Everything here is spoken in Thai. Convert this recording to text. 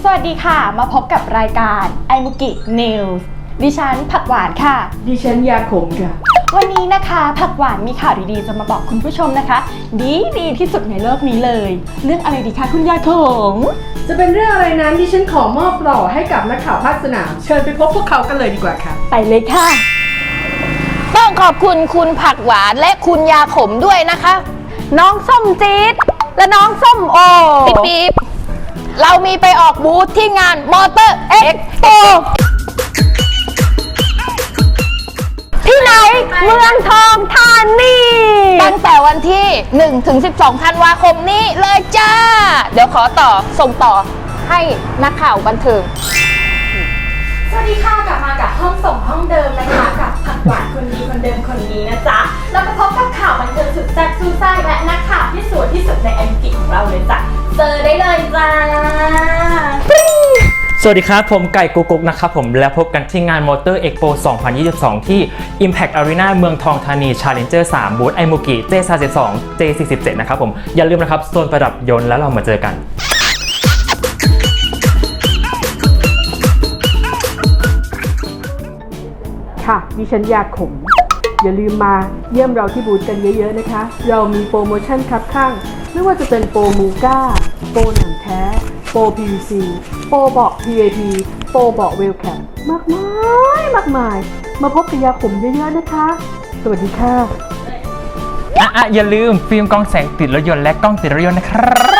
วัสดีค่ะมาพบกับรายการไอมุกินิวส์ดิฉันผักหวานค่ะดิฉันยาขมค่ะวันนี้นะคะผักหวานมีข่าวดีๆจะมาบอกคุณผู้ชมนะคะดีที่สุดในโลกนี้เลยเรื่องอะไรดีคะคุณยาขมจะเป็นเรื่องอะไรนั้นดิฉันขอมอบหล่อให้กับนักข่าวภาคสนามเชิญไปพบพวกเขากันเลยดีกว่าค่ะไปเลยค่ะต้องขอบคุณคุณผักหวานและคุณยาขมด้วยนะคะน้องส้มจี๊ดและน้องส้มโอปี๊บเรามีไปออกบูธที่งานมอเตอร์เอ็กโปที่ไหนเมืองทองธานีตั้งแต่วันที่1 ถึง 12 ธันวาคมนี้เลยจ้าเดี๋ยวขอส่งต่อให้นักข่าวบันเทิงสวัสดีค่ะกลับมากับห้องส่งห้องเดิมนะคะกับผักหวานคนดีคนเดิมคนนี้นะจ๊ะเราไปพบกับข่าวบันเทิงสุดแซ่บซู่ซ่าและนักข่าวที่สวยที่สุดในแอนกิของเราเลยจ้ะเจอได้เลยจ้าสวัสดีครับผมไก่กุ๊กนะครับผมและพบกันที่งาน Motor Expo 2022 ที่ Impact Arena เมืองทองธานี Challenger 3 บูธไอมุกิ J32 J47 นะครับผมอย่าลืมนะครับโซนประดับยนต์แล้วเรามาเจอกันค่ะดิฉันยาขมอย่าลืมมาเยี่ยมเราที่บูธกันเยอะๆนะคะเรามีโปรโมชั่นคับข้างไม่ว่าจะเป็นโปรมูก้าโปรหนังแท้โปร PVC โปรเบาะ PAP โปรเบาะเวลแคมมากมายมาพบกับยาขมเยอะๆนะคะสวัสดีค่ะอย่าลืมฟิล์มกล้องแสงติดรถยนต์และกล้องติดรถยนต์นะครับ